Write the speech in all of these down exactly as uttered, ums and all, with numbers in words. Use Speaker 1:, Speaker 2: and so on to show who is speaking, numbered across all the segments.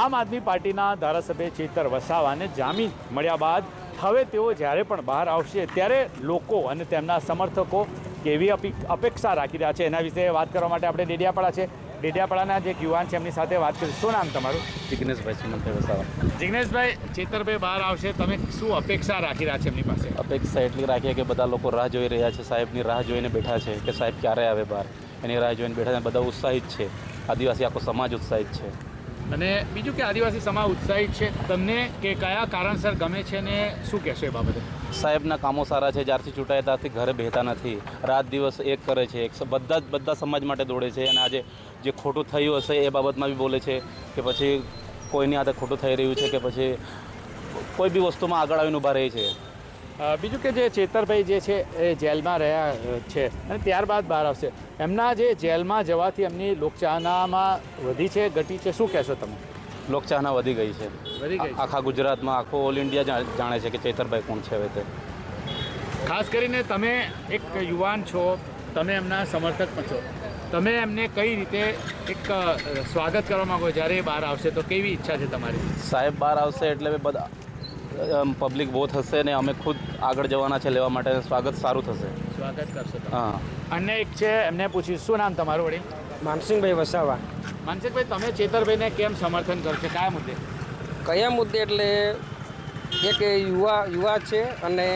Speaker 1: આમ આદમી પાર્ટીના ધારાસભ્ય ચેતર વસાવાને જામીન મળ્યા બાદ હવે તેઓ જ્યારે પણ બહાર આવશે ત્યારે લોકો અને તેમના સમર્થકો કેવી અપેક્ષા રાખી રહ્યા છે એના વિશે વાત કરવા માટે આપણે ડેડિયાપાડા છે. ડેડિયાપાડાના જે યુવાન છે એમની સાથે વાત કરીશું. શું નામ તમારું?
Speaker 2: જિગ્નેશભાઈ સુમનભાઈ વસાવા.
Speaker 1: જિગ્નેશભાઈ, ચેતરભાઈ બહાર આવશે, તમે શું અપેક્ષા રાખી રહ્યા છે એમની પાસે?
Speaker 2: અપેક્ષા એટલી રાખીએ કે બધા લોકો રાહ જોઈ રહ્યા છે, સાહેબની રાહ જોઈને બેઠા છે કે સાહેબ ક્યારે આવે બહાર, એની રાહ જોઈને બેઠા છે. બધા ઉત્સાહિત છે, આદિવાસી આખો સમાજ ઉત્સાહિત છે.
Speaker 1: અને બીજું કે આદિવાસી સમાજ ઉત્સાહિત છે તમને કે કયા કારણસર ગમે છે ને શું કહેશો એ બાબતે?
Speaker 2: સાહેબના કામો સારા છે. જ્યારથી ચૂંટાયા ત્યારથી ઘરે બેહતા નથી, રાત દિવસ એક કરે છે, એક બધા જ બધા સમાજ માટે દોડે છે. અને આજે જે ખોટું થયું હશે એ બાબતમાં બી બોલે છે કે પછી કોઈની હાથે ખોટું થઈ રહ્યું છે કે પછી કોઈ બી વસ્તુમાં આગળ આવીને ઊભા રહે છે.
Speaker 1: બીજું કે જે ચેતરભાઈ જે છે એ જેલમાં રહ્યા છે અને ત્યારબાદ બહાર આવશે, એમના જે જેલમાં જવાથી એમની લોકચાહનામાં વધી છે ઘટી છે, શું કહેશો તમે?
Speaker 2: લોકચાહના વધી ગઈ છે.
Speaker 1: વધી ગઈ
Speaker 2: આખા ગુજરાતમાં, આખો ઓલ ઇન્ડિયા જાણે છે કે ચેતરભાઈ કોણ છે હવે તે.
Speaker 1: ખાસ કરીને તમે એક યુવાન છો, તમે એમના સમર્થક પણ છો, તમે એમને કઈ રીતે એક સ્વાગત કરવા માગો જ્યારે એ બહાર આવશે તો કેવી ઈચ્છા છે તમારી?
Speaker 2: સાહેબ બહાર આવશે એટલે બધા પબ્લિક બહુ થશે ને અમે ખુદ આગળ જવાના છે લેવા માટે. સ્વાગત સારું થશે.
Speaker 1: સ્વાગત કરશો તમે?
Speaker 2: હા.
Speaker 1: અન્ય એક છે, એમને પૂછ્યું શું નામ તમારું વળી?
Speaker 3: માનસિંહભાઈ વસાવા.
Speaker 1: માનસિંહભાઈ, તમે ચેતરભાઈને કેમ સમર્થન કરો છો, કયા મુદ્દે?
Speaker 3: કયા મુદ્દે એટલે એક યુવા યુવા છે અને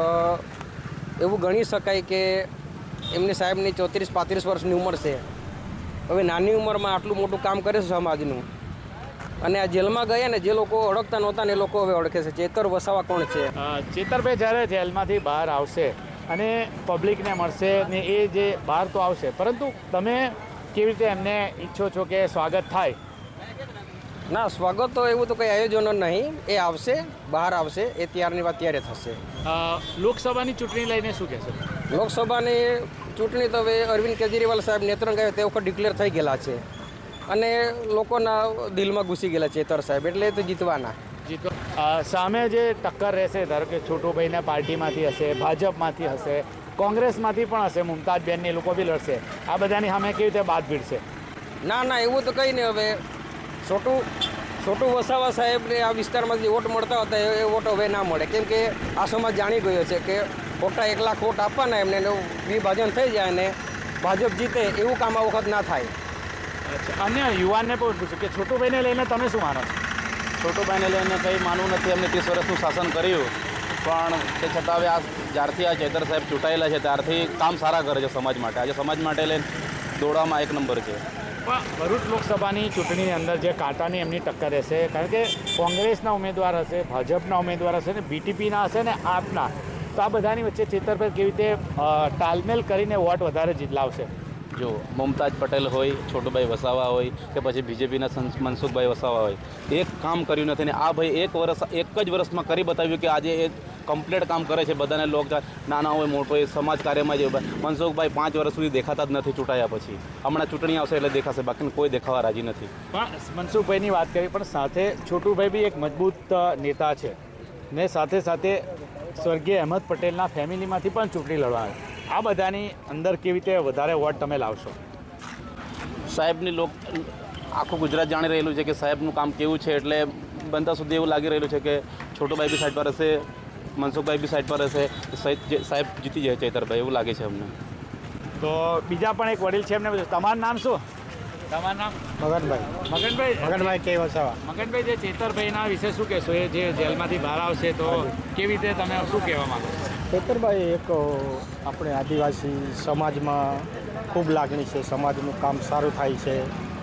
Speaker 3: એવું ગણી શકાય કે એમની સાહેબની ચોત્રીસ પાંત્રીસ વર્ષની ઉંમર છે. હવે નાની ઉંમરમાં આટલું મોટું કામ કરે છે સમાજનું, અને આ જેલમાં ગયા ને જે લોકો ઓળખતા નહોતા ને એ લોકો હવે ઓળખે છે. ચેતર વસાવા કોણ છે?
Speaker 1: ચેતરભાઈ જ્યારે જેલમાંથી બહાર આવશે અને પબ્લિકને મળશે ને એ જે બહાર તો આવશે, પરંતુ તમે કેવી રીતે એમને ઈચ્છો છો કે સ્વાગત થાય?
Speaker 3: ના, સ્વાગત તો એવું તો કંઈ આયોજનો નહીં. એ આવશે, બહાર આવશે, એ ત્યારની વાત ત્યારે થશે.
Speaker 1: લોકસભાની ચૂંટણી લઈને શું કહેશો?
Speaker 3: લોકસભાની ચૂંટણી તો હવે અરવિંદ કેજરીવાલ સાહેબ નેત્રંગ આવ્યો તે વખત ડિક્લેર થઈ ગયેલા છે અને લોકોના દિલમાં ઘૂસી ગયેલા ચેતર સાહેબ, એટલે એ તો જીતવાના.
Speaker 1: જીતો સામે જે ટક્કર રહેશે, ધારો કે છોટુભાઈને પાર્ટીમાંથી હશે, ભાજપમાંથી હશે, કોંગ્રેસમાંથી પણ હશે, મુમતાજબેન એ લોકો બી લડશે, આ બધાની સામે કેવી રીતે બાદ ભીડશે?
Speaker 3: ના ના, એવું તો કંઈ નહીં. હવે છોટું છોટું વસાવા સાહેબને આ વિસ્તારમાં જે વોટ મળતા હતા એ વોટ હવે ના મળે, કેમ કે આ સમાજ જાણી ગયો છે કે ખોટા એક લાખ વોટ આપવાના એમને વિભાજન થઈ જાય અને ભાજપ જીતે, એવું કામ આ વખત ના થાય.
Speaker 1: અન્ય યુવાનને પણ પૂછ્યું કે છોટુભાઈને લઈને તમે શું માનો છો?
Speaker 2: છોટુભાઈને લઈને કંઈ માનવું નથી. એમને ત્રીસ વર્ષનું શાસન કર્યું, પણ તે છતાં હવે આ જ્યારથી આ ચેતર સાહેબ ચૂંટાયેલા છે ત્યારથી કામ સારા કરે છે સમાજ માટે. આજે સમાજ માટે લઈને દોડવામાં એક નંબર છે.
Speaker 1: પણ ભરૂચ લોકસભાની ચૂંટણીની અંદર જે કાંટાની એમની ટક્કર રહેશે, કારણ કે કોંગ્રેસના ઉમેદવાર હશે, ભાજપના ઉમેદવાર હશે ને બીટીપીના હશે ને આપના, તો આ બધાની વચ્ચે ચેતરભાઈ કેવી રીતે તાલમેલ કરીને વોટ વધારે લાવશે?
Speaker 2: જો મુમતાજ પટેલ હોય, છોટુભાઈ વસાવા હોય કે પછી બીજેપીના મનસુખભાઈ વસાવા હોય, એક કામ કર્યું નથી ને આ ભાઈ એક વર્ષ એક જ વર્ષમાં કરી બતાવ્યું કે આજે એ કમ્પ્લીટ કામ કરે છે. બધાને લોક નાના હોય મોટો હોય સમાજ કાર્યમાં જ. મનસુખભાઈ પાંચ વર્ષ સુધી દેખાતા જ નથી ચૂંટાયા પછી. હમણાં ચૂંટણી આવશે એટલે દેખાશે, બાકી કોઈ દેખાવા રાજી નથી.
Speaker 1: પણ મનસુખભાઈની વાત કરી, પણ સાથે છોટુભાઈ બી એક મજબૂત નેતા છે ને સાથે સાથે સ્વર્ગીય અહેમદ પટેલના ફેમિલીમાંથી પણ ચૂંટણી લડવા. આ બધાની અંદર કેવી રીતે વધારે વોટ તમે લાવશો?
Speaker 2: સાહેબની લોક આખું ગુજરાત જાણી રહેલું છે કે સાહેબનું કામ કેવું છે, એટલે બનતા સુધી એવું લાગી રહેલું છે કે છોટુભાઈ બી સાઈડ પર હશે, મનસુખભાઈ બી સાઈડ પર હશે, સાહેબ જીતી જાય ચેતરભાઈ, એવું લાગે છે અમને.
Speaker 1: તો બીજા પણ એક વડીલ છે, એમને પૂછો, તમારું નામ શું? તમારું નામ?
Speaker 3: મગનભાઈ.
Speaker 1: મગનભાઈ
Speaker 3: મગનભાઈ કે વસાવા.
Speaker 1: મગનભાઈ, જે ચેતરભાઈના વિશે શું કહેશો? એ જે જેલમાંથી બહાર આવશે તો કેવી રીતે તમે શું કહેવા માંગો છો?
Speaker 4: ચેતરભાઈ એક આપણે આદિવાસી સમાજમાં ખૂબ લાગણી છે, સમાજનું કામ સારું થાય છે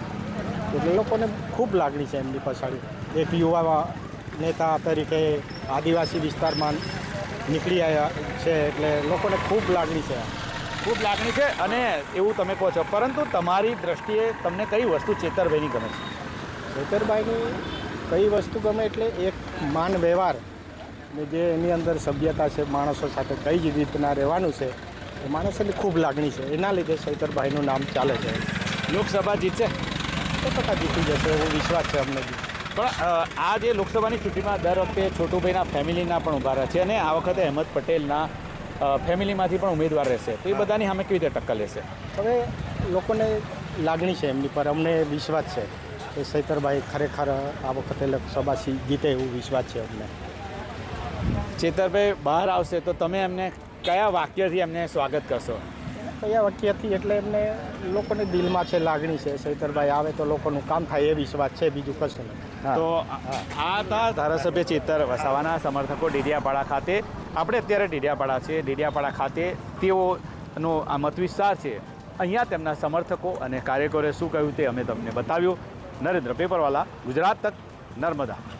Speaker 4: એટલે લોકોને ખૂબ લાગણી છે એમની પછાડી. એક યુવા નેતા તરીકે આદિવાસી વિસ્તારમાં નીકળી આવ્યા છે એટલે લોકોને ખૂબ લાગણી છે.
Speaker 1: ખૂબ લાગણી છે અને એવું તમે કહો છો, પરંતુ તમારી દ્રષ્ટિએ તમને કઈ વસ્તુ ચેતરભાઈની ગમે છે?
Speaker 4: ચેતરભાઈની કઈ વસ્તુ ગમે એટલે એક માન વ્યવહાર ને જે એની અંદર સભ્યતા છે, માણસો સાથે કઈ જ રીતના રહેવાનું છે, એ માણસોની ખૂબ લાગણી છે. એના લીધે ચેતરભાઈનું નામ ચાલે છે.
Speaker 1: લોકસભા જીતશે?
Speaker 4: સો ટકા જીતી જશે એવો વિશ્વાસ છે અમને બી.
Speaker 1: પણ આ જે લોકસભાની ચૂંટણીમાં દર વખતે છોટુભાઈના ફેમિલીના પણ ઉભા રહે છે અને આ વખતે અહેમદ પટેલના ફેમિલીમાંથી પણ ઉમેદવાર રહેશે, તો એ બધાની સામે કેવી રીતે ટક્કર લેશે?
Speaker 4: હવે લોકોને લાગણી છે એમની પર, અમને વિશ્વાસ છે. એ ચૈતરભાઈ ખરેખર આ વખતે લોકસભા સી- જીતે એવું વિશ્વાસ છે અમને.
Speaker 1: ચેતરભાઈ બહાર આવશે તો તમે એમને કયા વાક્યથી એમને સ્વાગત કરશો?
Speaker 4: કયા વાક્યથી એટલે એમને લોકોને દિલમાં છે, લાગણી છે. ચૈતરભાઈ આવે તો લોકોનું કામ થાય એ વિશ્વાસ છે, બીજું કશું નહીં.
Speaker 1: તો આ આ હતા ધારાસભ્ય ચેતર વસાવાના સમર્થકો ડેડિયાપાડા ખાતે. આપણે અત્યારે ડેડિયાપાડા છે. ડેડિયાપાડા ખાતે તેઓનો આ મત વિસ્તાર છે. અહીંયા તેમના સમર્થકો અને કાર્યકરોએ શું કહ્યું તે અમે તમને બતાવ્યું. નરેન્દ્ર પેપરવાલા, ગુજરાત તક, નર્મદા.